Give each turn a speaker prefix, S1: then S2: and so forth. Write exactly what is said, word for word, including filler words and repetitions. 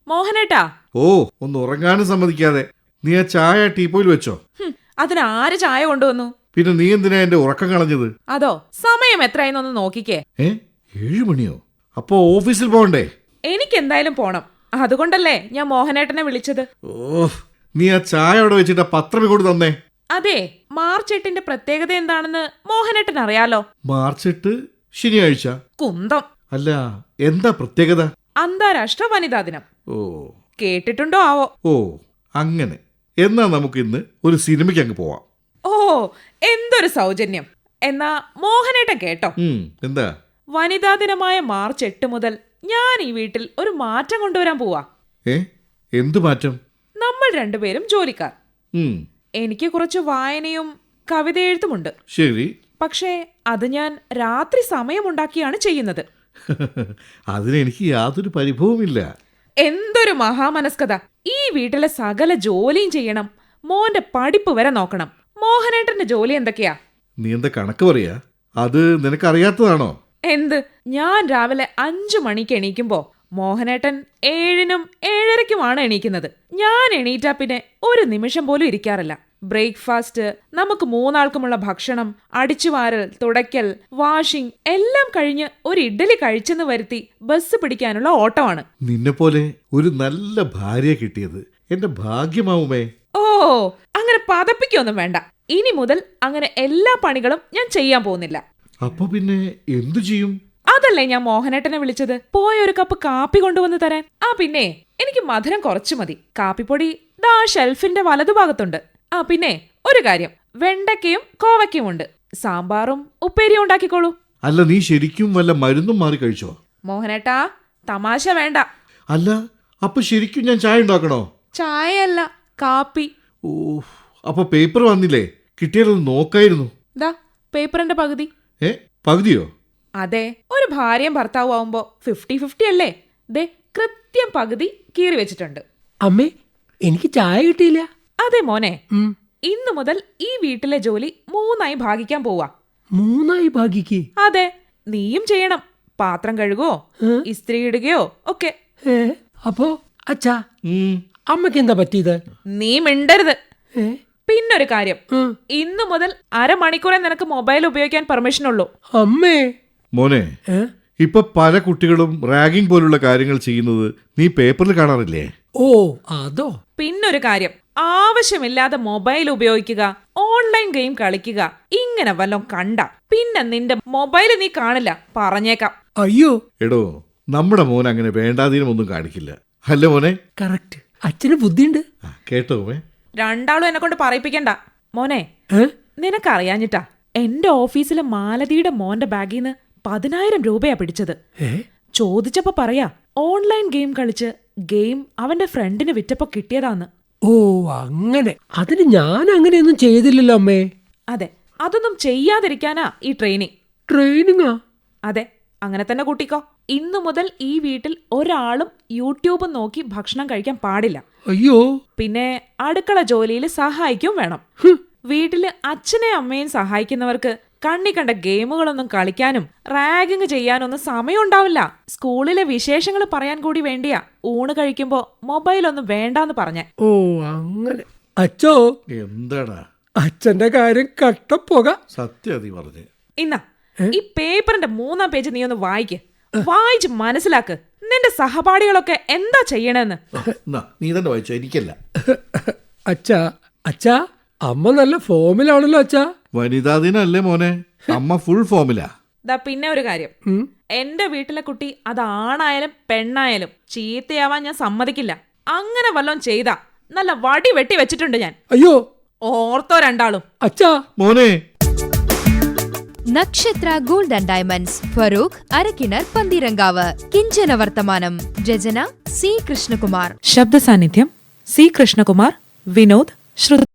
S1: മോഹനേട്ടാ.
S2: ഓ, ഒന്ന് ഉറങ്ങാനും സമ്മതിക്കാതെ നീ ആ ചായ ടീപ്പോയിൽ വെച്ചോ.
S1: അതിന് ആര് ചായ കൊണ്ടുവന്നു?
S2: പിന്നെ നീ എന്തിനാ എന്റെ ഉറക്കം കളഞ്ഞത്?
S1: അതോ, സമയം എത്രയെന്നൊന്ന് നോക്കിക്കേ.
S2: ഏ ഏഴു മണിയോ? അപ്പോ ഓഫീസിൽ പോകണ്ടേ?
S1: എനിക്ക് എന്തായാലും പോണം. അതുകൊണ്ടല്ലേ ഞാൻ മോഹനേട്ടനെ വിളിച്ചത്.
S2: ഓ, നീ ആ ചായ അവിടെ വെച്ചിട്ട് പത്രം കൂടി തന്നേ.
S1: അതെ, മാർച്ച് എട്ടിന്റെ പ്രത്യേകത എന്താണെന്ന് മോഹനേട്ടൻ അറിയാലോ.
S2: മാർച്ച് എട്ട് ശനിയാഴ്ച.
S1: കുന്തം.
S2: അല്ല, എന്താ പ്രത്യേകത?
S1: അന്താരാഷ്ട്ര വനിതാ ദിനം.
S2: ഓ,
S1: കേട്ടിട്ടുണ്ടോ ആവോ?
S2: ഓ അങ്ങനെ. എന്നാ നമുക്ക് ഇന്ന് ഒരു സിനിമയ്ക്ക് അങ്ങ് പോവാം.
S1: ഓ, എന്തൊരു സൗജന്യം. എന്നാ മോഹനേട്ടൻ കേട്ടോ.
S2: എന്താ?
S1: വനിതാ ദിനമായ മാർച്ച് എട്ട് മുതൽ ഞാൻ ഈ വീട്ടിൽ ഒരു മാറ്റം കൊണ്ടുവരാൻ പോവാ.
S2: ഏ എന്തു മാറ്റം?
S1: നമ്മൾ രണ്ടുപേരും ജോലിക്കാർ. എനിക്ക് കുറച്ച് വായനയും കവിത എഴുത്തുമുണ്ട്.
S2: ശരി.
S1: പക്ഷേ അത് ഞാൻ രാത്രി സമയമുണ്ടാക്കിയാണ് ചെയ്യുന്നത്.
S2: അതിനെനിക്ക് യാതൊരു പരിഭവമില്ല.
S1: എന്തൊരു മഹാമനസ്കത. ഈ വീട്ടിലെ സകല ജോലിയും ചെയ്യണം, മോന്റെ പഠിപ്പ് വരെ നോക്കണം. മോഹനേട്ടന്റെ ജോലി എന്തൊക്കെയാ?
S2: നീ എന്താ കണക്ക് പറയാ? അത് നിനക്കറിയാത്തതാണോ?
S1: എന്ത്? ഞാൻ രാവിലെ അഞ്ചു മണിക്ക് എണീക്കുമ്പോ മോഹനേട്ടൻ ഏഴിനും ഏഴരയ്ക്കുമാണ് എണീക്കുന്നത്. ഞാൻ എണീറ്റാ പിന്നെ ഒരു നിമിഷം പോലും ഇരിക്കാറില്ല. ബ്രേക്ക്ഫാസ്റ്റ്, നമുക്ക് മൂന്നാൾക്കുമുള്ള ഭക്ഷണം, അടിച്ചുവാരൽ, തുടയ്ക്കൽ, വാഷിംഗ് എല്ലാം കഴിഞ്ഞ് ഒരു ഇഡ്ഡലി കഴിച്ചെന്ന് വരുത്തി ബസ് പിടിക്കാനുള്ള ഓട്ടമാണ്.
S2: നിന്നെ പോലെ ഒരു നല്ല ഭാര്യ കിട്ടിയത് എന്റെ ഭാഗ്യമാവുമേ.
S1: ഓ, അങ്ങനെ പതപ്പിക്കൊന്നും വേണ്ട. ഇനി മുതൽ അങ്ങനെ എല്ലാ പണികളും ഞാൻ ചെയ്യാൻ പോകുന്നില്ല.
S2: അപ്പൊ പിന്നെ എന്തു ചെയ്യും?
S1: അതല്ലേ ഞാൻ മോഹനേട്ടനെ വിളിച്ചത്. പോയ ഒരു കപ്പ് കാപ്പി കൊണ്ടുവന്ന് തരാൻ. ആ പിന്നെ എനിക്ക് മധുരം കുറച്ചു മതി. കാപ്പിപ്പൊടി ദാ ഷെൽഫിന്റെ വലതുഭാഗത്തുണ്ട്. ആ പിന്നെ ഒരു കാര്യം, വെണ്ടയ്ക്കയും കോവയ്ക്കയും ഉണ്ട്. സാമ്പാറും ഉപ്പേരിയും ഉണ്ടാക്കിക്കോളൂ.
S2: അല്ല, നീ ശരിക്കും വല്ല മരുന്നും മാറി കഴിച്ചോ?
S1: മോഹനേട്ടാ, തമാശ വേണ്ട.
S2: അല്ല, അപ്പൊ ശരിക്കും ഞാൻ ചായ ഉണ്ടാക്കണോ?
S1: ചായയല്ല, കാപ്പി.
S2: ഓ, അപ്പൊ പേപ്പർ വന്നില്ലേ? കിട്ടിയാലൊന്ന് നോക്കായിരുന്നു.
S1: ദാ പേപ്പറിന്റെ പകുതി.
S2: ഏ പകുതിയോ?
S1: അതെ, ഒരു ഭാര്യയും ഭർത്താവും ആവുമ്പോ ഫിഫ്റ്റി ഫിഫ്റ്റി അല്ലേ? ദേ കൃത്യം പകുതി കീറി വെച്ചിട്ടുണ്ട്.
S3: അമ്മേ, എനിക്ക് ചായ കിട്ടിയില്ല.
S1: അതെ മോനെ, ഇന്നു മുതൽ ഈ വീട്ടിലെ ജോലി മൂന്നായി ഭാഗിക്കാൻ പോവാ.
S3: മൂന്നായി ഭാഗിക്ക്?
S1: അതെ, നീയും ചെയ്യണം. പാത്രം കഴുകുകയോ ഇസ്ത്രി ഇടുകയോ ഒക്കെ.
S3: അപ്പോ അച്ഛാ, അമ്മക്ക് എന്താ പറ്റിയത്?
S1: നീ മിണ്ടരുത്. പിന്നൊരു കാര്യം, ഇന്നു മുതൽ അരമണിക്കൂറെ നിനക്ക് മൊബൈൽ ഉപയോഗിക്കാൻ പെർമിഷൻ ഉള്ളൂ.
S3: അമ്മേ.
S2: മോനെ, ഇപ്പൊ പല കുട്ടികളും റാഗിംഗ് പോലുള്ള കാര്യങ്ങൾ ചെയ്യുന്നത് നീ പേപ്പറിൽ കാണാറില്ലേ?
S3: ഓ, അതോ.
S1: പിന്നൊരു കാര്യം, ആവശ്യമില്ലാതെ മൊബൈൽ ഉപയോഗിക്കുക, ഓൺലൈൻ ഗെയിം കളിക്കുക, ഇങ്ങനെ വല്ലതും കണ്ട പിന്നെ നിന്റെ മൊബൈൽ നീ കാണില്ല, പറഞ്ഞേക്കാം.
S3: അയ്യോ.
S2: എടോ, നമ്മുടെ മോൻ അങ്ങനെ വേണ്ടാതീനമൊന്നും കാണിക്കില്ല, അല്ലേ മോനെ?
S3: കറക്റ്റ്. അച്ഛന് ബുദ്ധിയുണ്ട്.
S2: കേട്ടോ മേ?
S1: രണ്ടാളും എന്നെ കൊണ്ട് പറയിപ്പിക്കണ്ട. മോനെ, നിനക്കറിയാഞ്ഞിട്ടാ എന്റെ ഓഫീസിലെ മാലതിയുടെ മോന്റെ ബാഗിൽ നിന്ന് പതിനായിരം രൂപയാ പിടിച്ചത്. ചോദിച്ചപ്പോ പറയാ, ഓൺലൈൻ ഗെയിം കളിച്ച് ഗെയിം അവന്റെ ഫ്രണ്ടിന് വിറ്റപ്പോ കിട്ടിയതാന്ന്.
S3: ഓ, അങ്ങനെ. അതിന് ഞാൻ അങ്ങനെയൊന്നും ചെയ്തില്ലല്ലോ അമ്മേ.
S1: അതെ, അതൊന്നും ചെയ്യാതിരിക്കാനാ ഈ ട്രെയിനിങ്.
S3: ട്രെയിനിങ്ങാ?
S1: അതെ, അങ്ങനെ തന്നെ കൂട്ടിക്കോ. ഇന്നു മുതൽ ഈ വീട്ടിൽ ഒരാളും യൂട്യൂബ് നോക്കി ഭക്ഷണം കഴിക്കാൻ പാടില്ല.
S3: അയ്യോ.
S1: പിന്നെ അടുക്കള ജോലിയിൽ സഹായിക്കും വേണം. വീട്ടില് അച്ഛനെയും അമ്മയും സഹായിക്കുന്നവർക്ക് കണ്ണി കണ്ട ഗെയിമുകളൊന്നും കളിക്കാനും റാഗിങ് ചെയ്യാനൊന്നും സമയം ഉണ്ടാവില്ല. സ്കൂളിലെ വിശേഷങ്ങൾ പറയാൻ കൂടി വേണ്ടിയാ ഊണ് കഴിക്കുമ്പോ മൊബൈലൊന്നും വേണ്ടാന്ന് പറഞ്ഞേ.
S3: ഓ, അങ്ങനെ. അച്ഛോ.
S2: എന്താടാ?
S3: അച്ഛന്റെ കാര്യം കട്ടപ്പോക.
S2: സത്യം നീ പറഞ്ഞേ.
S1: ഇന്നാ ഈ പേപ്പറിന്റെ മൂന്നാം പേജ് നീ ഒന്ന് വായിക്ക്. വായിച്ച് മനസ്സിലാക്ക് നിന്റെ സഹപാഠികളൊക്കെ എന്താ ചെയ്യണെന്ന്.
S2: നീ തന്നെ വായിച്ചോ, എനിക്കല്ല.
S3: അച്ഛാ, അച്ഛാ, അമ്മ നല്ല ഫോമിലാണല്ലോ അച്ഛാ.
S2: വനിതാ ദിനല്ലേ മോനെ? അമ്മ ഫുൾ ഫോമിലാ.
S1: ദാ പിന്നെ ഒരു കാര്യം, എന്റെ വീട്ടിലെ കുട്ടി അതാണായാലും പെണ്ണായാലും ചീത്തയാവാൻ ഞാൻ സമ്മതിക്കില്ല. അങ്ങനെ വല്ലോം ചെയ്താ നല്ല വടി വെട്ടി വെച്ചിട്ടുണ്ട് ഞാൻ.
S3: അയ്യോ.
S1: ഓർത്തോ രണ്ടാളും.
S3: അച്ഛാ.
S2: മോനെ.
S4: Nakshatra gold and diamonds, Farook, Arakkinar, Pantheerankavu. കിഞ്ചന വർത്തമാനം. രചന സി കൃഷ്ണകുമാർ.
S1: ശബ്ദ സാന്നിധ്യം സി കൃഷ്ണകുമാർ, വിനോദ്, ശ്രുതി.